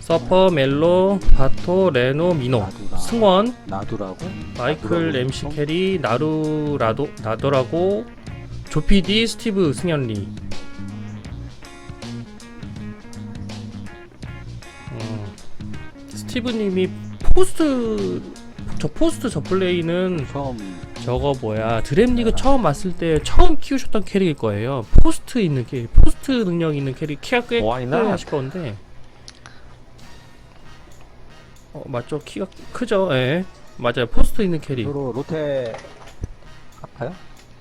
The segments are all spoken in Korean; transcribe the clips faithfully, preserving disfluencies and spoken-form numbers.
서퍼, 멜로, 바토, 레노, 미노, 나두라. 승원, 나두라고? 마이클, 나두라고 엠씨 있어? 캐리, 나루, 라도, 나더라고, 조피디, 스티브, 승현리. 음, 스티브님이 포스트, 저 포스트 저 플레이는 처음 저거 뭐야 드랩리그 처음 왔을 때 처음 키우셨던 캐릭일 거예요. 포스트 있는 캐릭, 포스트 능력 있는 캐릭 키가 꽤 Why not? 하실 건데. 어 맞죠, 키가 크죠. 예 맞아요, 포스트 있는 캐릭. 주로 로테 할까요?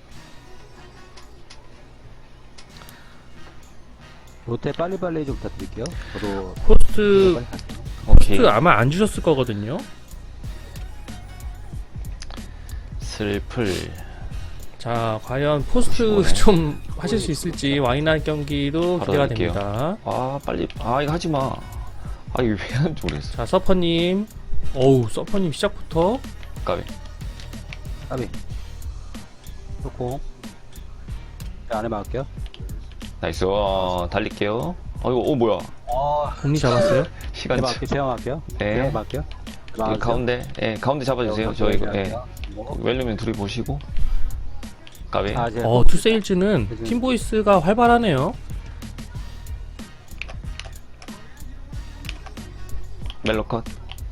로테 빨리빨리 좀 부탁드릴게요. 저도 포스트 빨리 갈게요. 오케이. 포스트 아마 안 주셨을 거거든요. 슬플. 자 과연 포스트 뭐네. 좀 하실 수 있을지 와이낫 경기도 바로 기대가 할게요. 됩니다. 아 빨리. 아 이거 하지 마. 아 이거 왜 하는지 모르겠어. 자 서퍼님, 어우 서퍼님 시작부터 까비. 까비. 좋고. 자, 안에 막을게요. 나이스. 어, 달릴게요. 어 이거 어 뭐야? 아, 공리 잡았어요. 시간. 제가 막을게요. 제가 막을게요. 네. 제가 막을게요. 이 가운데. 예 가운데 잡아주세요. 저 이거. 예. 웰리면 둘이 보시고. 까비. 아, 제가 어, 투세일즈는 팀보이스가 활발하네요. 멜로컷.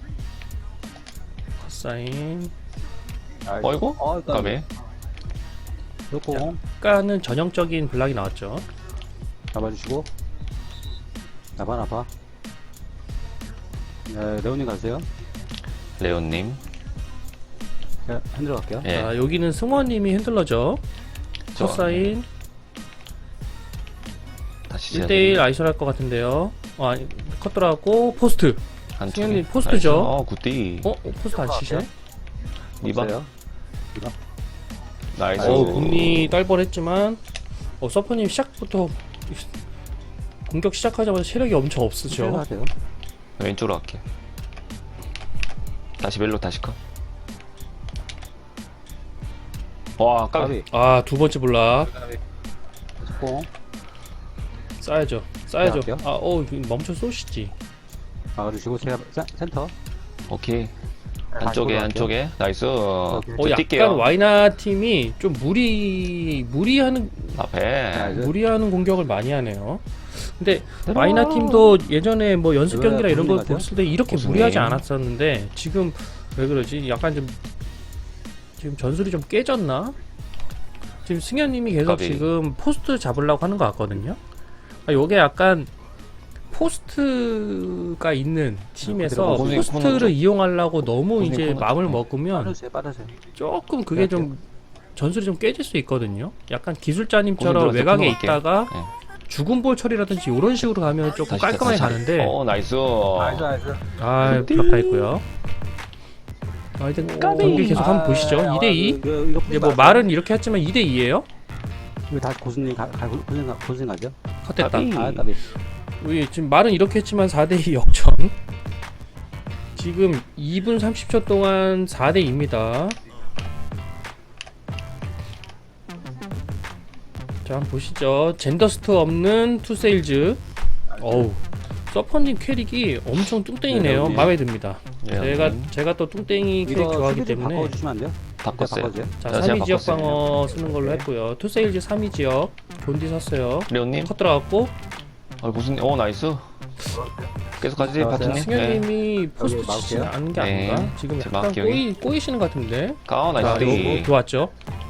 컷사인. 어이구. 어, 까비. 좋고. 약간은 전형적인 블락이 나왔죠. 잡아주시고. 나봐, 나봐. 네, 레오님 가세요. 레온님. 제가 핸들어 갈게요. 예. 자, 여기는 승원님이 핸들러죠. 저, 컷사인. 다시 일 대일 아이솔 할 것 같은데요. 어, 아니, 컷 들어가고, 포스트. 한쪽에. 승현님 포스트죠? 나이스. 어 굿디. 어? 어, 포스트 안 치시네? 이봐. 없어요. 나이스. 어, 공리 딸벌했지만, 어, 서퍼님 시작부터, 공격 시작하자마자 체력이 엄청 없으죠. 하세요. 왼쪽으로 갈게. 다시 멜로 다시 컷. 와 까비. 까비. 아, 두 번째 블락. 좋고. 쌓야죠. 쌓야죠. 할게요. 아, 어, 멈춰 쏘시지. 막아주시고, 제가 센- 센터. 오케이. 안쪽에 갈게요. 안쪽에 나이스. 어, 어, 약간 뛸게요. 와이나 팀이 좀 무리 무리하는 앞에. 나이스. 무리하는 공격을 많이 하네요. 근데 들어. 와이나 팀도 예전에 뭐 연습 왜 경기나 이런 걸 고수님 봤을 때 이렇게 고수님. 무리하지 않았었는데 지금 왜 그러지? 약간 좀 지금 전술이 좀 깨졌나? 지금 승현님이 계속 까비. 지금 포스트 잡으려고 하는 것 같거든요. 아, 요게 약간 포스트가 있는 팀에서 고수님, 포스트를 코너 이용하려고 너무 고수님 이제 코너 마음을 좀. 먹으면 빠르세요, 빠르세요. 조금 그게 좀 전술이 좀 깨질 수 있거든요. 약간 기술자님처럼 고수님 외곽에 들어가서 있다가 네. 죽은 볼 처리라든지 이런 식으로 가면 조금 다시, 깔끔하게 다시. 가는데 어 나이스. 나이스, 나이스. 아 블럭 다 있고요. 아 이제 경기 계속 한번 보시죠. 이 대 이. 이거, 이거 이제 뭐 말은 이렇게 했지만 이 대 이예요. 이거 다 고수님 가, 가, 고수님, 가, 고수님 가죠? 컷됐다. 까비. 아, 까비. 우리 지금 말은 이렇게 했지만 사 대 이 역전. 지금 이 분 삼십 초 동안 사 대 이입니다. 자 한번 보시죠. 젠더스트 없는 투세일즈. 어우 서퍼님 캐릭이 엄청 뚱땡이네요. 네, 마음에 듭니다. 예, 제가 음. 제가 또 뚱땡이 캐릭 이거 좋아하기 수비 좀 때문에 바꿔주시면 안 돼요? 바꿨어요. 바꿔주세요. 자 자, 삼 위 제가 지역 바꿨어요. 방어 쓰는 걸로 했고요. 투세일즈 삼 위 지역 본디 샀어요. 레온님. 컷 들어갔고 어 무슨 어 나이스. 계속 가지 나왔어요? 파트님. 네. 승현님이 포스트 여기 치지 막을게요. 않은 게 네. 아닌가? 지금 제 약간 막기용이. 꼬이, 꼬이시는 것 같은데. 가 자, 나이스. 이거 디. 좋았죠.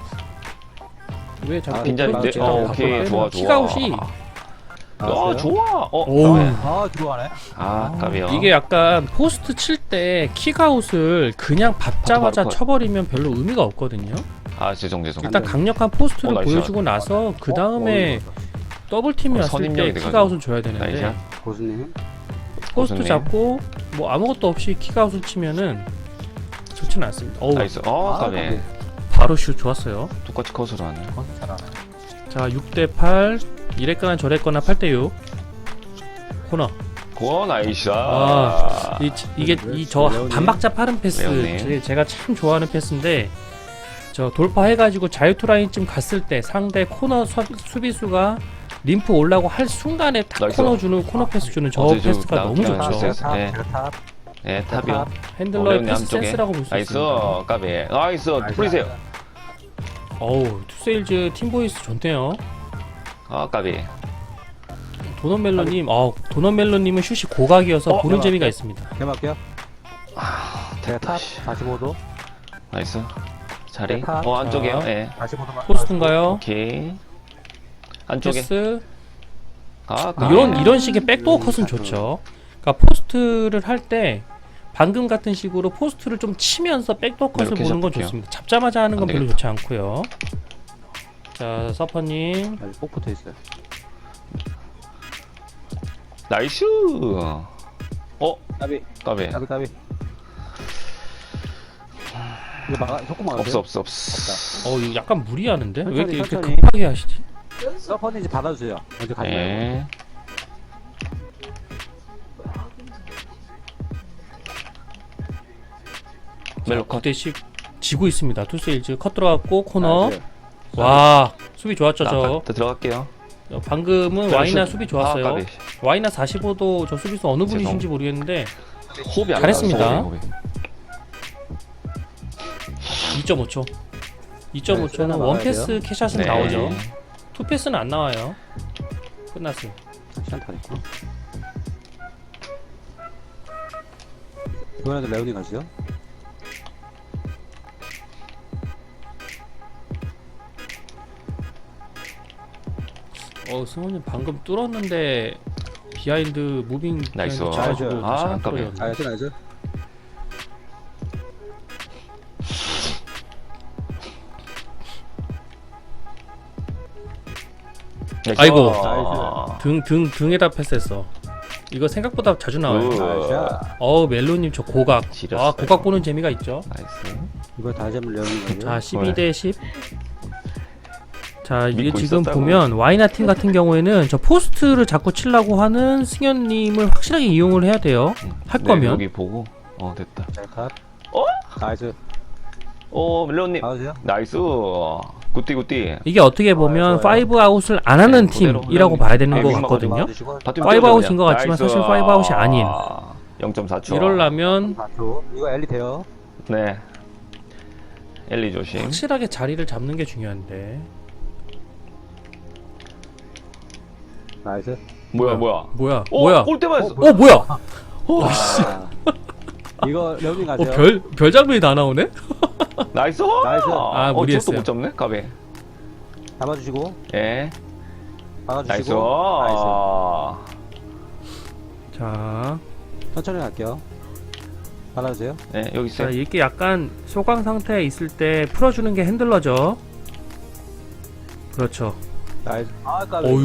왜 자꾸 아, 빈자리인데. 꼬이지? 어 자, 오케이 바꿔 좋아 좋아. 킥아웃이 아 나왔어요? 좋아. 어. 오우. 까비. 아, 들어가네. 아 까비요. 이게 약간 포스트 칠 때 킥아웃을 그냥 받자마자 바로 컷. 쳐버리면 별로 의미가 없거든요. 아 죄송 죄송. 일단 강력한 포스트를 어, 나이스 보여주고 나서 그 다음에 더블 팀이 어, 왔을 때 선임력이 돼가지고. 킥아웃을 줘야 되는데 나이스. 고수님. 포스트 고수님. 잡고 뭐 아무것도 없이 킥아웃을 치면은 좋지는 않습니다. 어우, 나이스. 어 아, 까비. 까비. 바로 슛 좋았어요. 똑같이 컷으로 하네. 어, 잘하네. 자 육 대 팔 이랬거나 저랬거나 팔 대 육 코너. 고 나이스. 아, 이, 이게 이 저 레오님. 반박자 빠른 패스 레오님. 제, 제가 참 좋아하는 패스인데 저 돌파해가지고 자유투 라인쯤 갔을 때 상대 코너 수, 수비수가 림프 올라고 할 순간에 딱 나이스. 코너 주는 코너 패스 주는 저 어제 저 패스가 나- 너무 나- 좋죠. 나- 네. 제가 탑. 예, 탑이요. 핸들러의 레오님 패스 안쪽에. 센스라고 볼 수 나이스, 있습니다. 까비. 나이스, 풀리세요. 어우, 투세일즈 팀보이스 좋네요. 아, 까비. 도넛멜로님, 어, 도넛멜로님은 슛이 고각이어서 어, 보는 대박. 재미가 있습니다. 개막게요. 아, 제가 탑 씨. 사십오 도. 나이스. 자리. 네, 탑. 어, 안쪽이요. 자. 예. 사십오 도만. 포스트인가요? 오케이. 안쪽에. 패스. 아, 까비. 이런 이런 식의 백도어 컷은 좋죠. 그러니까 포스트를 할 때 방금 같은 식으로 포스트를 좀 치면서 백도어 컷을 이렇게 보는 건 잡을게요. 좋습니다. 잡자마자 하는 건 안 별로 되겠다. 좋지 않고요. 자, 서퍼님. 아직 꼭 붙어 있어요. 나이스. 어, 까비. 까비. 까비 까비. 이거 막아 속고 막아. 없어, 없어, 없어. 어, 이거 약간 무리하는데? 왜 천천히, 이렇게 천천히. 급하게 하시지? 서퍼는 이제 받아주세요. 먼저 가지 말고. 예. 멜로 컷. 구 대씩 지고 있습니다. 투세일즈 컷 들어갔고 코너. 나이스. 와, 수비 좋았죠, 나 저. 바- 들어갈게요. 어, 방금은 저 와이나 슛. 수비 좋았어요. 아, 까비. 와이나 사십오 도 저 수비수 어느 분이신지 모르겠는데 호흡이 안 잘했습니다. 나와서 호흡이, 호흡이. 이 점 오 초. 이 점 오 초는 네, 원 나와야 패스 캐샷은 네. 나오죠. 투 패스는 안 나와요. 끝났어요. 시간 다 됐고. 이번에도 레오니 가시죠. 어, 승원님 방금 뚫었는데 비하인드 무빙 나이스. 비하인드 쳐가지고 아, 다시 안 아깝네. 뚫렸네. 나이스 나이스. 나이스. 아이고. 아. 등, 등, 등에다 패스했어. 이거 생각보다 자주 나와요. 굿. 나이스. 어우, 멜로님 저 고각. 지렸어요. 아, 고각 보는 재미가 있죠. 나이스. 이거 다시 한번 레오니 가죠. 자, 십이 대 십. 자, 이게 믿고 지금 있었다고. 보면 와이나 팀 같은 경우에는 저 포스트를 자꾸 치려고 하는 승현님을 확실하게 이용을 해야 돼요. 할 네, 거면. 여기 보고. 어, 됐다. 자, 탑. 어? 나이스. 오, 멜로님. 받으세요. 나이스. 굿띠, 굿띠. 이게 어떻게 보면 좋아요. 파이브 아웃을 안 하는 네, 그대로 팀이라고 그냥 봐야 되는 것 아이고, 같거든요. 받으시고. 바텀 파이브 띄워줘, 아웃인 그냥. 것 같지만 나이스. 사실 파이브 아웃이 아닌. 영 점 사 초. 이럴라면 사 초. 이거 엘리 돼요. 네. 엘리 조심. 확실하게 자리를 잡는 게 중요한데. 나이스. 뭐야, 뭐야. 뭐야? 어, 뭐야? 골대 맞았어. 어, 뭐야? 아, 이거 레오니 어, 가죠. 별, 별 장면이 다 나오네? 나이스. 나이스. 아, 어, 무리했어요. 저것도 못 잡네. 까베. 잡아주시고. 예. 나이스. 받아주시고. 나이스. 아. 자, 천천히 갈게요. 받아주세요. 네, 여기 자, 있어요. 이렇게 약간 소강 상태에 있을 때 풀어주는 게 핸들러죠. 그렇죠. 나이스. 아, 까비. 어휴.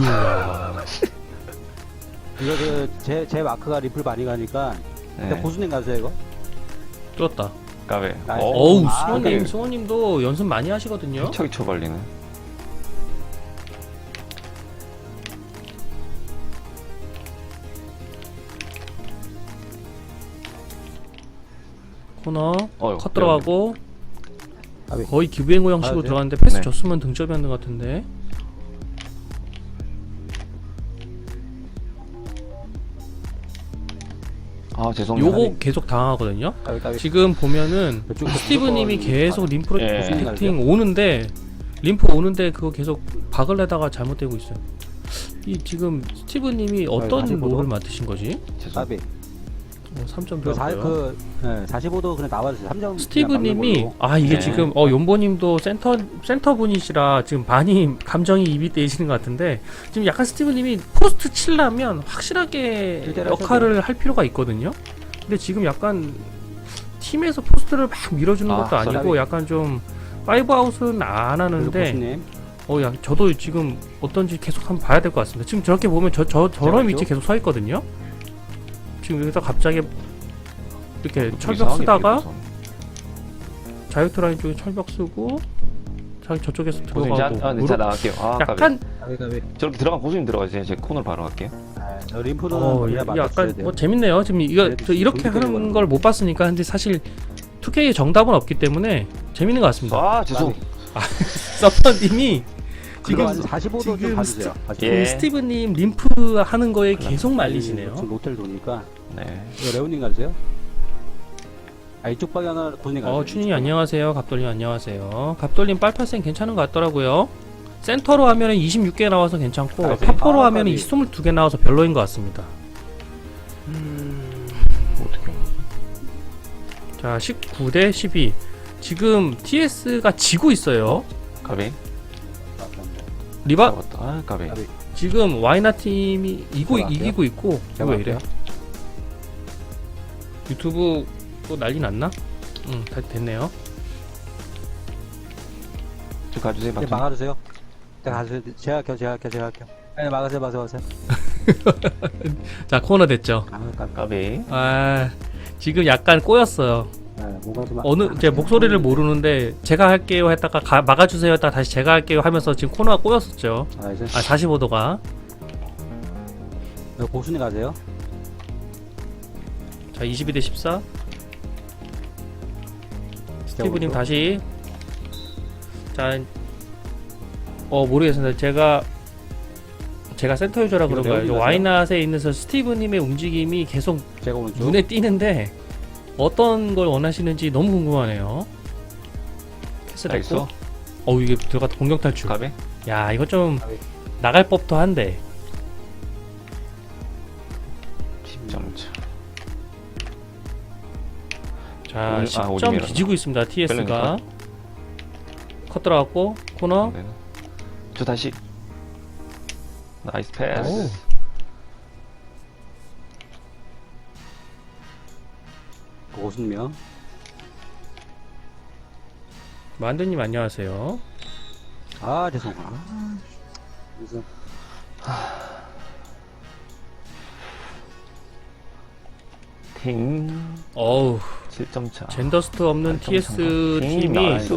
이거 그, 제, 제 마크가 리플 많이 가니까. 일단 네. 고수님 가세요, 이거. 뚫었다. 까베. 나이스. 어우, 아, 승원님, 그래. 승원님도 연습 많이 하시거든요. 척이 쳐발리네. 코너, 어휴, 컷 들어가고, 까비. 거의 기부행고 형식으로 아, 네. 들어갔는데 패스 네. 줬으면 등점이었는 것 같은데. 아, 죄송해요. 요거 계속 당하거든요. 까비, 까비. 지금 보면은 그쪽 스티브님이 무조건 계속 림프로 예. 프로텍팅 오는데 림프 오는데 그거 계속 박을 내다가 잘못되고 있어요. 이 지금 스티브님이 어떤 다시 보도? 롤을 맡으신 거지? 죄송. 까비. 어, 삼 점 그, 사, 들어갔고요. 그, 네, 사십오 도 그냥 나와주세요. 삼 점. 스티브님이 아 이게 네. 지금 어 용보님도 센터 센터 분이시라 지금 많이 감정이 입이 떼이시는 것 같은데 지금 약간 스티브님이 포스트 칠라면 확실하게 일대일 역할을 할 필요가 있거든요. 근데 지금 약간 팀에서 포스트를 막 밀어주는 아, 것도 아니고 쏘리. 약간 좀 파이브 아웃은 안 하는데 고수님. 어 야 저도 지금 어떤지 계속 한번 봐야 될 것 같습니다. 지금 저렇게 보면 저 저 저런 잠깐만요. 위치 계속 서 있거든요. 지금 여기서 갑자기 이렇게 철벽 이상하게 쓰다가 비켜서. 자유투라인 쪽에 철벽 쓰고 자기 저쪽에서 고수님 자, 들어가고 아, 네, 무릎- 자 나갈게요. 아, 까베. 약간 까비, 까비. 저렇게 들어간 고수님 들어가세요. 제 코너로 바로 갈게요. 네, 저 림프는 어 원래 야- 맞춰줘야 약간 돼요. 뭐 재밌네요. 지금 이거 네, 저 이렇게 종이 하는 때리고 걸 못 봤으니까 근데 사실 투케이의 정답은 없기 때문에 재밌는 것 같습니다. 아, 죄송. 까비. 서퍼님이 지금 지금 사십오 도 좀 지금 봐주세요. 예. 그 스티브님 림프 하는 거에 계속 말리시네요. 지금 로텔 도니까. 네. 이거 레오님 가주세요. 아, 이쪽 방향은 고순이 가주세요. 어, 춘이 안녕하세요. 갑돌님 안녕하세요. 갑돌님 빨파센 괜찮은 것 같더라고요. 센터로 하면은 이십육 개 나와서 괜찮고 아, 파포로 아, 하면은 빨리. 이십이 개 나와서 별로인 것 같습니다. 어떻게? 자, 십구 대 십이. 지금 티에스가 지고 있어요. 까비. 리바 잡았다. 아, 까비. 까비. 지금 와이나 팀이 이고 제가 이기고 있고 이거 왜 이래? 할게요. 유튜브 또 난리 났나? 응, 다 됐네요. 좀 가주세요. 네, 박수. 막아주세요. 제가 가주세요. 제가 할게요. 제가 할게요. 제가 할게요. 네, 막으세요. 막으세요. 막으세요. 자, 코너 됐죠. 아, 깜 까비. 아, 지금 약간 꼬였어요. 네, 뭔가 좀 어느 제 목소리를 모르는데 제가 할게요 했다가 가, 막아주세요 했다가 다시 제가 할게요 하면서 지금 코너가 꼬였었죠. 아, 이제 아, 사십오 도가. 네, 고순이 가세요. 자, 이십이 대 십사. 스티브님 다시. 자, 어 모르겠습니다. 제가 제가 센터 유저라 이거 그런가요? 내용이 와이낫에 있는 서 스티브님의 움직임이 계속 제가 오른쪽. 눈에 띄는데 어떤 걸 원하시는지 너무 궁금하네요. 패스 나이스. 됐고. 어, 이게 들어갔다 공격 탈출. 까비. 야, 이거 좀 까비. 나갈 법도 한데. 십 점 차. 자, 오- 아, 십 점 오점이라나? 뒤지고 있습니다. 티에스가. 뺄래니까? 컷 들어갔고 코너. 네. 저 다시. 나이스 오. 패스. 고순명. 만두님 안녕하세요. 아, 죄송. 아, 그래서 팅. 어우, 칠 점 차. 젠더스트 없는 팔 점 차. 티에스 팅, 팀이 나이스.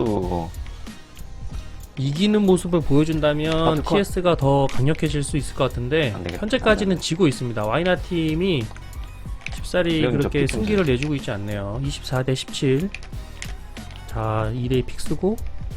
이기는 모습을 보여준다면 아트 컷. 티에스가 더 강력해질 수 있을 것 같은데 안 되겠다. 현재까지는 안 되겠다. 지고 있습니다. 와이나 팀이 쉽사리 이런 그렇게 적 승기를 내주고 있지 않네요. 이십사 대 십칠. 자, 이 대 픽 쓰고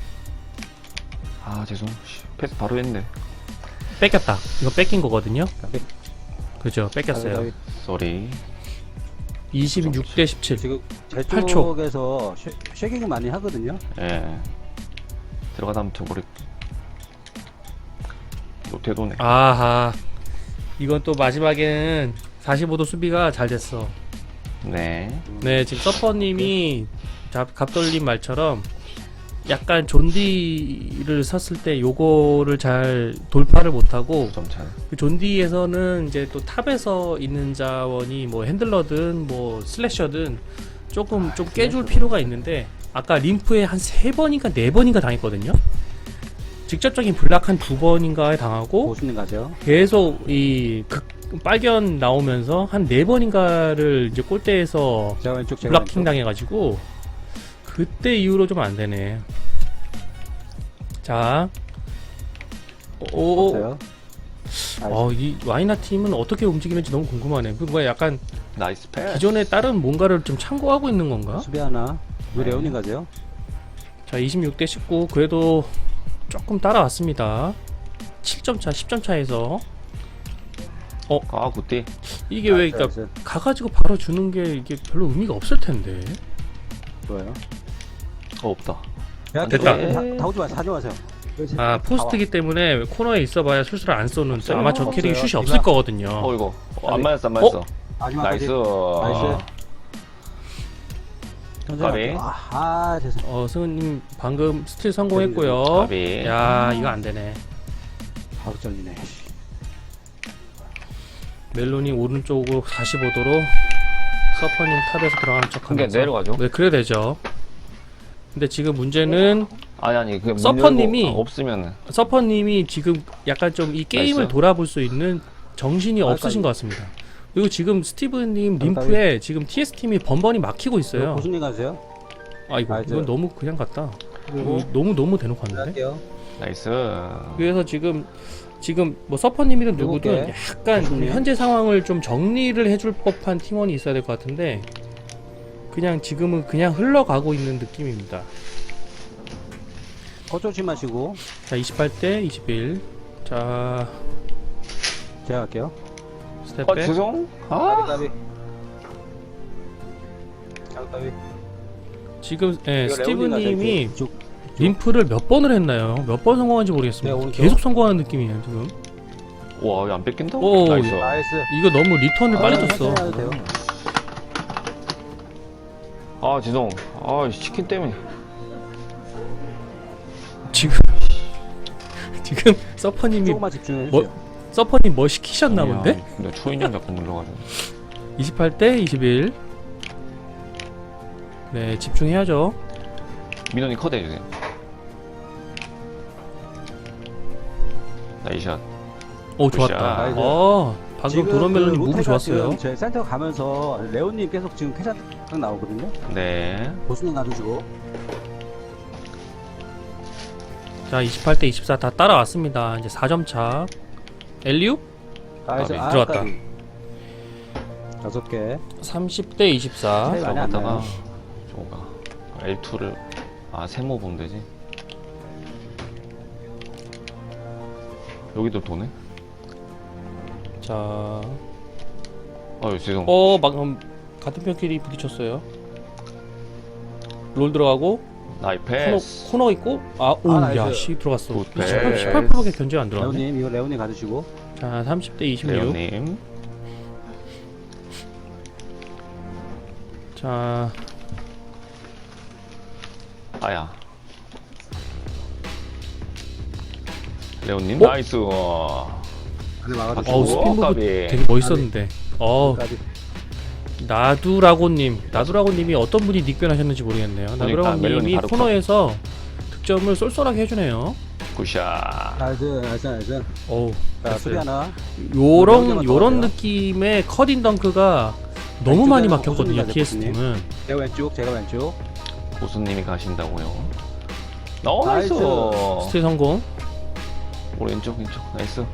아, 죄송. 씨, 패스 바로 했네. 뺏겼다. 이거 뺏긴 거거든요. 까비. 그죠? 뺏겼어요. 까비, 까비. 쏘리. 이십육 대 십칠. 지금 제 팔 초. 쪽에서 쉐- 쉐깅을 많이 하거든요. 예. 들어가다 하면 저거리. 또 되도네. 아하. 이건 또 마지막에는 사십오 도 수비가 잘 됐어. 네. 네, 지금 서퍼님이 자, 갑돌림 말처럼 약간 존디를 섰을 때 요거를 잘 돌파를 못하고 구 점 차. 그 존디에서는 이제 또 탑에서 있는 자원이 뭐 핸들러든 뭐 슬래셔든 조금 좀 깨줄 필요가 있는데 아까 림프에 한 세 번인가 네 번인가 당했거든요. 직접적인 블락 한 두 번인가에 당하고 고순님 가세요. 계속 이 극, 빨견 나오면서 한 네 번인가를 이제 골대에서 제가 왼쪽 제가 블락킹 왼쪽. 당해가지고 그때 이후로 좀 안 되네. 자, 오, 없어요. 어, 이 와이나 팀은 어떻게 움직이는지 너무 궁금하네. 그거 약간 나이스 패스. 기존에 다른 뭔가를 좀 참고하고 있는 건가? 수비 하나. 왜 네. 레오님 가세요? 자, 이십육 대 십구. 그래도 조금 따라왔습니다. 칠 점 차, 십 점 차에서 아, 굿디. 이게 왜 그러니까 나이스, 나이스. 가가지고 바로 주는 게 이게 별로 의미가 없을 텐데. 좋아요. 어, 없다. 야, 됐다. 다, 다 오지 마세요. 사줘하세요. 아, 포스트기 때문에 코너에 있어봐야 슛을 안 쏘는 없어요. 아마 저 캐릭이 없어요. 슛이 없을 이거- 거거든요. 어, 이거. 어, 안 까비. 맞았어, 안 맞았어. 마지막까지. 나이스. 나이스. 까비. 아, 아, 죄송. 어, 승우님 방금 스틸 성공했고요. 까비. 야, 이거 안 되네. 바로 잘리네. 멜론이 오른쪽으로 사십오 도로 서퍼님 탑에서 들어가는 척 그게 하면서 내려가죠. 네, 그래 되죠. 근데 지금 문제는 아니, 아니. 그 서퍼님이- 없으면은. 서퍼님이 지금 약간 좀 이 게임을 나이스. 돌아볼 수 있는 정신이 아, 없으신 까비. 것 같습니다. 그리고 지금 스티브님 림프에 지금 티에스 팀이 번번이 막히고 있어요. 고순님 가세요. 아, 이거 나이스. 이건 너무 그냥 같다. 그리고 이거 너무 너무 대놓고 왔는데. 할게요. 나이스. 그래서 지금 지금 뭐 서퍼님이든 누구든 누굴게? 약간 누구니? 현재 상황을 좀 정리를 해줄 법한 팀원이 있어야 될 것 같은데 그냥 지금은 그냥 흘러가고 있는 느낌입니다. 거 조심하시고. 자, 이십팔 대 이십일. 자, 제가 할게요. 스텝 어 백. 죄송. 까비, 아 까비. 자, 까비. 지금 예, 이거 스티브님이 레오님 가자, 이쪽. 림프를 몇 번을 했나요? 몇 번 성공한지 모르겠습니다. 네, 오른쪽. 계속 성공하는 느낌이에요 지금. 와 이거 안 뺏긴다. 오, 나이스. 나이스. 이거 너무 리턴을 빨리 아, 줬어. 천천히 해도 돼요. 아 죄송. 아 치킨 때문에. 지금 지금 서퍼님이 조금만 집중해 뭐- 주세요. 서퍼님 뭐 시키셨나 본데? 근데 초인형 자꾸 눌러가지고. 이십팔 대 이십일. 네, 집중해야죠. 민원이 컷 해주세요. 나이샷. 오, 좋았다. 굿샷. 어, 방금 지금 도너멜론이 그 무브 로테가 좋았어요. 지금 제 센터 가면서 레온님 계속 지금 캐샷 나오거든요. 네. 보수는 놔두시고. 자, 이십팔 대 이십사 다 따라왔습니다. 이제 사 점 차. 엘리우? 나이스. 아, 들어왔다. 까비. 다섯 개. 삼십 대 이십사. 차이 많이 안 저거다가 나요. 저거가 엘 투를 아 세모 보면 되지. 여기도 도네. 자, 아유 죄송. 어, 방금 같은 편끼리 부딪혔어요. 롤 들어가고 나이 코너, 패스. 코너 있고 아, 오, 아, 야, 나이스. 씨 들어갔어. 굿 십팔, 패스. 십팔 퍼센트밖에 견제 안 들어갔네. 레온님 이거 레온님 가주시고. 자, 삼십 대 이십육. 레오님. 자, 아야. 레오님 어? 나이스. 안에 아, 막아주시고. 어우, 오, 스핀 무브 까비. 되게 멋있었는데. 어, 까비. 나두라고님, 나두라고님이 어떤 분이 닉변하셨는지 모르겠네요. 멜론이 나두라고님이 바로 코너에서 득점을 쏠쏠하게 해주네요. 굿샷. 나이스, 나이스, 나이스. 어우, 자, 수비 됐어요. 하나. 요런 명령만 요런 나와요. 느낌의 컷인 덩크가 너무 많이 왼쪽에는 막혔거든요. 호수입니다, 티에스 대표님. 팀은. 제가 왼쪽, 제가 왼쪽. 고수님이 가신다고요. 나이스. 나이스. 스틸 성공. 오른쪽 왼쪽 나이스.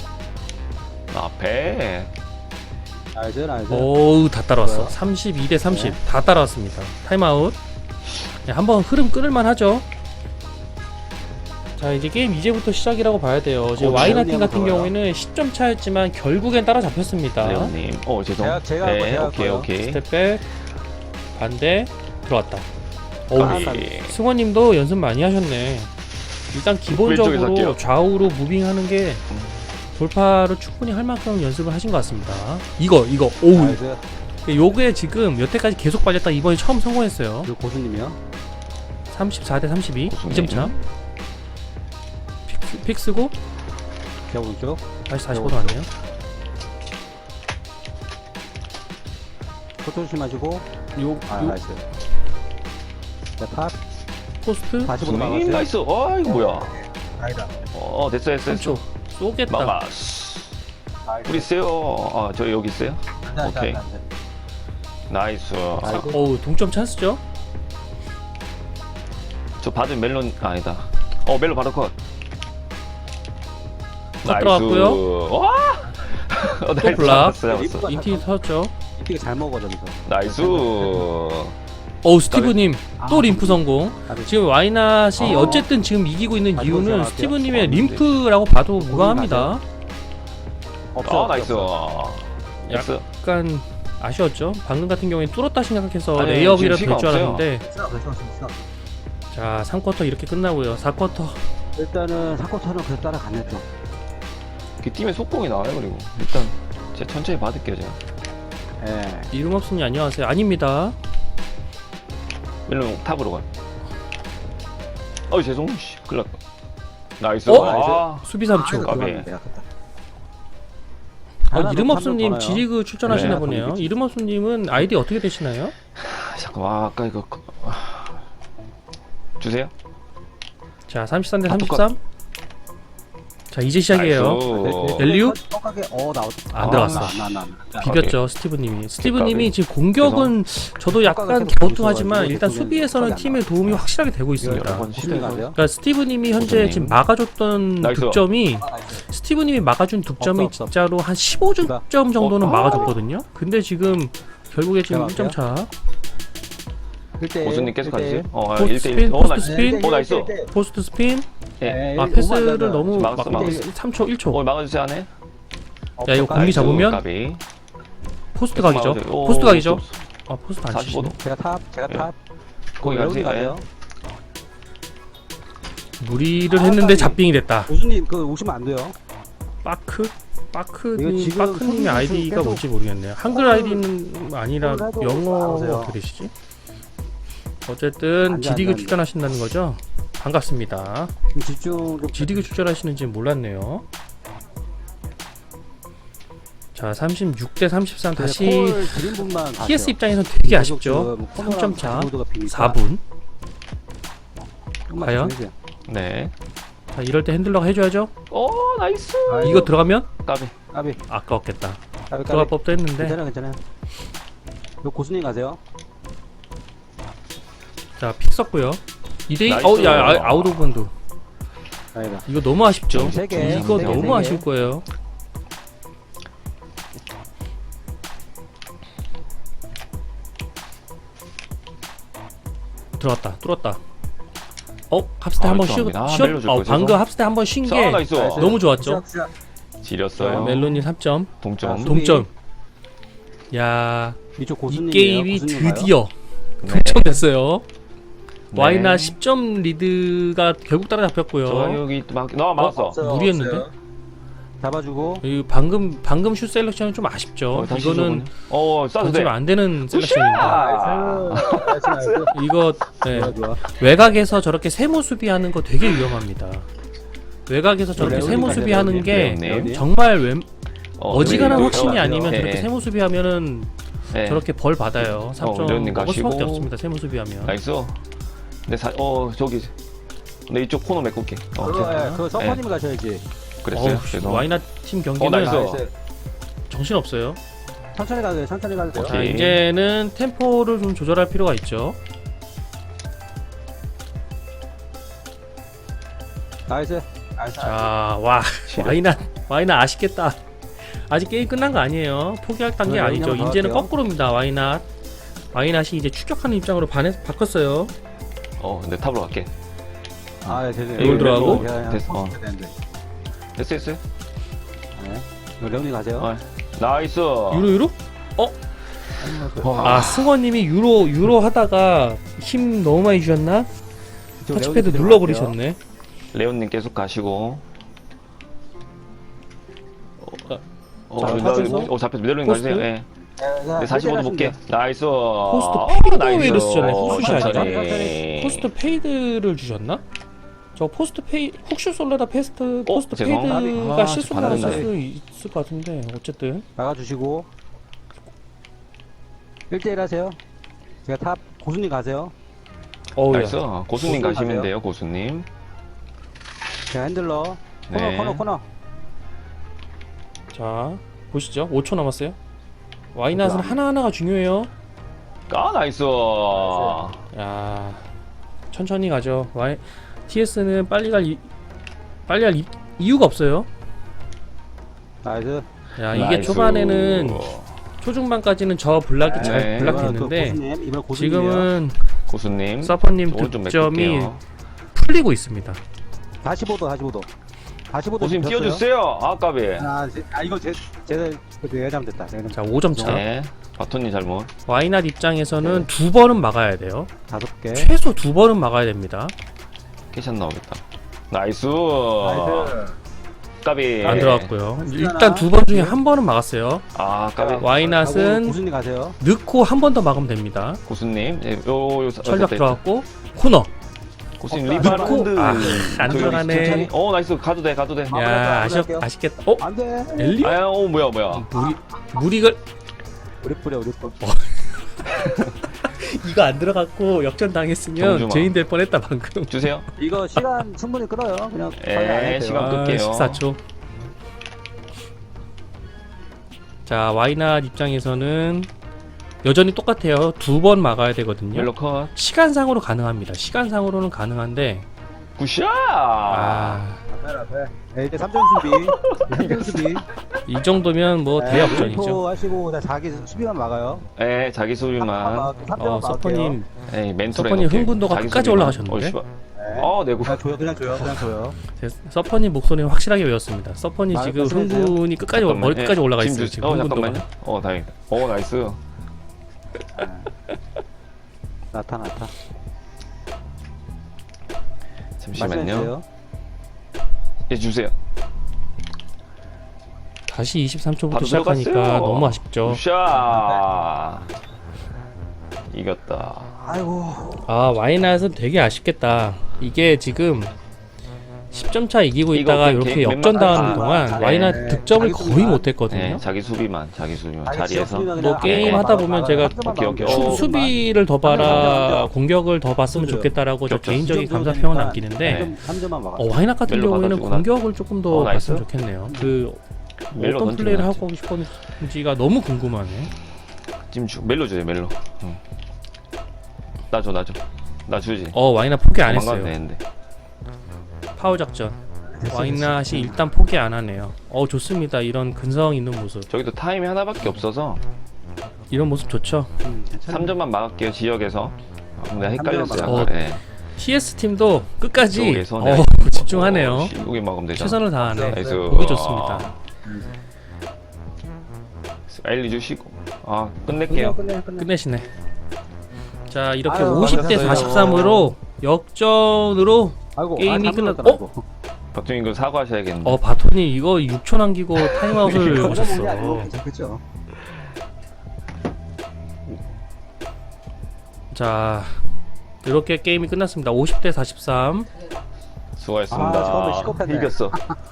앞에. 나이스, 나이스. 어우, 다 따라왔어. 좋아요. 삼십이 대 삼십. 네. 다 따라왔습니다. 타임아웃. 네, 한번 흐름 끊을만 하죠. 자, 이제 게임 이제부터 시작이라고 봐야 돼요. 지금 어, 와이나 레온이 팀 같은 한번 경우에는 십 점 차였지만 결국엔 따라잡혔습니다. 레오님. 어 죄송. 제가- 제가 할 네 거예요, 제가 할 오케이 거예요. 오케이. 스텝백 반대 들어왔다. 어우, 아, 까비. 승원님도 연습 많이 하셨네. 일단 왼쪽에서 기본적으로 할게요. 좌우로 무빙하는 게 돌파를 충분히 할 만큼 연습을 하신 것 같습니다. 이거 이거 오우, 나이스. 요게 지금 여태까지 계속 빨렸다 이번에 처음 성공했어요. 그리고 고수님이요. 삼십사 대 삼십이. 고수님. 이 점 차. 픽, 픽 쓰고 제가 오른쪽. 다시 사십오 도 왔네요. 코트 조심하시고. 요, 아, 요 나이스. 자, 팝. 포스트 사십오 수님 나왔어요. 나이스. 아 이거 뭐야? 아니다. 어 됐어 됐어 삼 됐어. 초 쏘겠다. 마마스. 우리 있어요. 아저 여기 있어요. 오케이. 나이스. 아이고. 어우, 동점 찬스죠? 저 받은 멜론 아니다. 어 멜론 바로 컷. 컷 들어갔고요. 와. 어, 나이스. 블락. 잡았어, 잡았어. 인티 터졌죠? 이게 잘 먹어져서. 나이스. 어우, 스티브님 또 아, 림프 성공. 까비. 지금 와이낫이 아. 어쨌든 지금 이기고 있는 아, 이유는 이거 스티브님의 제가 림프라고 봐도 무방합니다. 없어. 아 나이스. 없어. 나이스. 약간 아쉬웠죠. 방금 같은 경우에 뚫었다 생각해서 아니, 레이업이라 지금 될 줄 시간 알았는데 없어, 없어, 없어, 없어. 자, 삼 쿼터 이렇게 끝나고요. 사 쿼터 일단은 사코터는 그래 따라갔네 좀. 그 팀의 속공이 나와요 그리고 일단 제가 천천히 받을게요 제가. 예. 이름 없으니 안녕하세요. 아닙니다. 멜론 탑으로 가. 어이 죄송. 씨 큰일 났다. 나이스. 어? 아, 수비 삼 초. 까비. 어, 이름 없음님 지리 지리그 출전하시나 네, 보네요. 그렇지. 이름 없음님은 아이디 어떻게 되시나요? 잠깐만 아, 아까 이거 그- 아. 주세요. 자, 삼십삼 대 아, 삼십삼. 자, 이제 시작이에요. 나이스. 엘리우? 똑같게 어 나왔. 안 들어갔어. 나나 나. 비볐죠, 스티브님이. 스티브님이 까비. 지금 공격은 저도 약간 효과가 갸우뚱하지만 계속 일단 보이면 수비에서는 효과가 팀의 도움이 확실하게 되고 이거 있습니다. 여러 번 고수님 시도해서 가세요. 그러니까 스티브님이 현재 고수님. 지금 막아줬던 나이스. 득점이 아, 나이스. 스티브님이 막아준 득점이 없어, 없어. 진짜로 한 십오 점 정도는 어, 아. 막아줬거든요. 근데 지금 결국에 지금 제가 일 점 차. 일 대 일. 고수님 계속 가주세요. 어, 포스트 일 대 일. 스핀, 어, 포스트 나이스. 스핀. 오, 나이스. 포스트 스핀. 예. 아 패스를 너무 막 막았어, 막았어. 삼 초 일 초. 어, 막아주세요, 안에. 야 이거 공리 나이스, 잡으면 까비. 포스트 각이죠. 막아주세요. 오, 포스트 각이죠. 없어, 없어. 아 포스트 안 사십오 도. 치시네. 제가 탑, 제가 예. 탑. 거기 여러분이 가세요. 무리를 아, 했는데 까비. 잡빙이 됐다. 고수님 그 오시면 안 돼요. 빠크 이거 빠크님 지금 빠크님의 손님 아이디가 계속 뭔지 모르겠네요. 한글 아이디는 아니라 손을 해도 영어가 나오세요. 그러시지. 어쨌든 안 돼, 지리그 안 돼, 안 돼. 출전하신다는 거죠? 반갑습니다. 좀 집중 좀. 지리그 출전하시는지 몰랐네요. 자 삼십육 대 삼십삼 다시 콜 드린 분만 티에스 입장에선 되게 아쉽죠. 삼 삼 점 차 사 분. 과연? 네. 자 이럴 때 핸들러가 해줘야죠. 오, 나이스. 이거 들어가면 까비. 까비. 아까웠겠다. 까비, 들어갈 까비. 법도 했는데. 괜찮아, 괜찮아. 이거 고수님 가세요. 자 픽 썼고요. 이 대 이. 나이스. 어우 야 아, 아웃 오브 번도. 아니다. 이거 너무 아쉽죠. 세 개, 이거 세 개, 너무 세 개. 아쉬울 거예요. 들어갔다. 뚫었다. 어? 합스테 아, 한번 죄송합니다. 쉬었. 멜로 줄 어, 거죠? 방금 합스테 한번 쉰 게 아, 나이스. 너무 좋았죠. 지렸어요. 멜론님 삼 점. 동점. 아, 동점. 야, 이쪽 이 고수님. 게임이 드디어 네. 동점 됐어요. 네. 와이나 십 점 리드가 결국 따라잡혔고요. 저 여기 막, 너 막았어. 무리했는데? 잡아주고. 이 방금 방금 슛 셀렉션은 좀 아쉽죠. 어, 다시 이거는 저거는. 어, 쏴도 돼. 던지면 안 되는 셀렉션입니다. 아, 이거 네, 좋아, 좋아. 외곽에서 저렇게 세모 수비하는 거 되게 위험합니다. 외곽에서 저렇게 레오님 세모 가세요, 수비하는 게 레오님. 정말 웬, 어, 어지간한 네, 확신이 네, 아니면 네, 저렇게 네. 세모 수비하면은 네. 저렇게 벌 받아요. 삼 점 어, 레오님 먹을 수밖에 가시고. 없습니다. 세모 수비하면. 나이스. 내 사, 어, 저기. 내 이쪽 코너 메꿀게. 어, 그거, 오케이. 예, 그거 서퍼님 가셔야지. 그랬어요. 어우, 죄송. 와이나 팀 어, 경기는 나이스. 정신 없어요. 천천히 가도 돼요, 천천히 가도 돼요. 자 오케이. 이제는 템포를 좀 조절할 필요가 있죠. 나이스. 나이스. 자, 와, 와이나, 와이나 아쉽겠다. 아직 게임 끝난 거 아니에요. 포기할 단계 네, 아니죠. 그냥 이제는 나갈게요. 거꾸로입니다. 와이낫. 와이낫이 이제 추격하는 입장으로 반해, 바꿨어요. 어, 내 탑으로 갈게. 아, 예, 죄송해요. 이걸 들어가고? 됐어. 어. 되는데. 됐어, 됐어. 네. 이거 레오님 가세요. 어, 나이스. 유로 유로? 와. 아, 승원님이 유로 유로 하다가 힘 너무 많이 주셨나? 이쪽 터치패드 레오님 눌러버리셨네. 레온님 계속 가시고. 어, 어, 자, 나, 잡혀서? 어, 잡혀서 메달님 포스트? 가주세요. 예. 들어가세요. 네, 사십오 도 볼게. 나이스. 포스트 어, 페이드 나이스. 웨이를 쓰셨네. 어, 후슛이 아니라. 천천히. 포스트 페이드를 주셨나? 저 포스트 페이 훅슛 솔레다 페스트 포스트 죄송. 페이드가 아, 실수로 반응이 나갔을 나네. 수 있을 것 같은데 어쨌든 나가주시고. 일 대 일 하세요. 제가 탑, 고수님 가세요. 어우야. 나이스. 고수님 고수님 가시면 가세요. 돼요, 고수님. 제가 핸들러. 코너, 네. 코너, 코너. 자 보시죠. 오 초 남았어요. 와이낫은 하나하나가 중요해요. 아, 나이스. 야 천천히 가죠. 와이 티에스는 빨리 갈 이, 빨리 할 이, 이유가 없어요. 나이스. 야 이게 나이스. 초반에는 초중반까지는 저 블락이 잘 네. 블락했는데 이번엔 또 고수님, 이번 고수님이에요. 지금은 고수님. 서퍼님 오른쪽 득점이 메꿀게요. 풀리고 있습니다. 사십오 도, 사십오 도. 사십오 도 고수님 줬어요. 띄워주세요. 아, 까비. 아, 제, 아 이거 제, 제가 내가 잘못됐다. 내가 자 오 점 차. 네. 바톤님 잘못. 와이낫 입장에서는 두 번은 막아야 돼요. 다섯 개. 최소 두 번은 막아야 됩니다. 캐샷 나오겠다. 나이스. 나이스. 까비. 안 들어갔고요. 네. 일단 두 번 중에 한 번은 막았어요. 아, 까비. 가고 와이낫은 고수님 가세요. 넣고 한 번 더 막으면 됩니다. 고수님. 예, 요, 요, 철벽 됐다, 들어갔고 코너. 고수님 어, 리바운드. 아, 안 저기 들어가네. 천천히. 어, 나이스. 가도 돼, 가도 돼. 아, 야 아쉽 할게요. 아쉽겠다. 어 안 돼. 엘리? 아, 어, 뭐야, 뭐야. 무리 무리걸 우리 뿌려, 우리 뿌려. 이거 안 들어갔고 역전 당했으면 정중앙. 죄인 될 뻔했다 방금. 주세요. 이거 시간 충분히 끌어요. 그냥 예, 거의 안 해도 돼요. 시간 아, 끌게요. 십사 초. 자 와이낫 입장에서는 여전히 똑같아요. 두 번 막아야 되거든요. 옐로 컷. 시간상으로 가능합니다. 시간상으로는 가능한데 굿샷. 아 앞에 앞에. 네, 이제 삼 점 수비. 삼 점 수비. 이 정도면 뭐 네, 대역전이죠. 멘토 하시고 자, 자기 수비만 막아요. 예, 자기 수비만. 어, 서퍼님, 에이, 멘토를 서퍼님 해놓게. 흥분도가 자기 끝까지 수비만. 올라가셨는데? 어, 씨발. 네. 어, 내고. 그냥 줘요, 그냥 줘요, 그냥 줘요. 제 서퍼님 목소리는 확실하게 외웠습니다. 서퍼님 말- 지금 말씀해주세요. 흥분이 끝까지 올- 머리 끝까지 예, 올라가 지금 있어요. 주- 지금 어, 흥분도가. 잠깐만요. 어, 다행이다. 어, 나이스. 나타났다. 잠시만요. 말씀해주세요. 예, 주세요. 다시 이십삼 초부터 바로 시작하니까 들어갔어요. 너무 아쉽죠. 샤. 이겼다. 아이고. 아, 와이낫은 되게 아쉽겠다. 이게 지금 십 점 차 이기고 이거 있다가 그 이렇게 개인 역전당하는 멤버- 동안 아, 와이낫 네. 득점을 자기 거의 수비만. 못했거든요. 네, 자기 수비만, 자기 수비만 자기 자리에서. 지역 수비만 뭐 그냥 게임 아, 하다 막- 보면 막- 제가 한 점만 오케이, 오케이. 막아요. 어. 수, 수비를 더 한 점, 한 봐라, 점. 공격을 더 봤으면 그죠. 좋겠다라고 저 겹쳤어. 개인적인 이 정도 감사평을 되니까 남기는데 네. 삼 점만 막아. 어, 와이낫 같은 멜로 경우에는 받아주구나. 공격을 조금 더 어, 나이스. 봤으면 좋겠네요. 그 멜로 어떤 던지고 플레이를 나왔지. 하고 싶은지가 너무 궁금하네. 지금 주, 멜로 주세요, 멜로. 응. 나 줘, 나 줘. 나 주지. 어, 와이낫 포기 안 도망가면 했어요. 되는데. 파워 작전. 와이낫이 일단 포기 안 하네요. 어, 좋습니다. 이런 근성 있는 모습. 저기도 타임이 하나밖에 없어서 이런 모습 좋죠. 음, 괜찮아. 삼 점만 막을게요, 지역에서. 어, 내가 헷갈렸어요. 어, 아까. 예. 티에스 팀도 끝까지 지역에서 어, 내가 집중하네요. 어, 씨, 여기 막으면 되잖아. 최선을 다하네. 나이스. 보기 좋습니다. 엘리 주시고. 아, 끝낼게요. 끝내, 끝내, 끝내. 끝내시네. 자, 이렇게 아유, 오십 대 맞았어요. 사십삼으로 역전으로 아이고, 게임이 아, 끝났- 잘못 어? 박정희 그 사과하셔야겠는데. 어, 바톤이 이거 육 초 남기고 타임아웃을 이거 보셨어. 괜찮겠죠? 자, 이렇게 게임이 끝났습니다. 오십 대 사십삼 수고하셨습니다. 아, 처음에 시겁했네. 이겼어.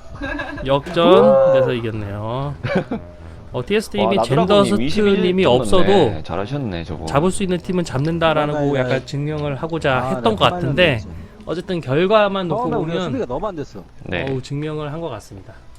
역전돼서 이겼네요. 어, 티에스팀이 와, 젠더스트님이 나드라곤님 없어도 떴는데 잘하셨네, 저거. 잡을 수 있는 팀은 잡는다라는 거 맞아요. 약간 증명을 하고자 아, 했던 네, 것 같은데 처음에는 어쨌든 결과만 놓고 처음에 우리가 보면 수비가 너무 안 됐어. 네. 어우, 증명을 한 것 같습니다.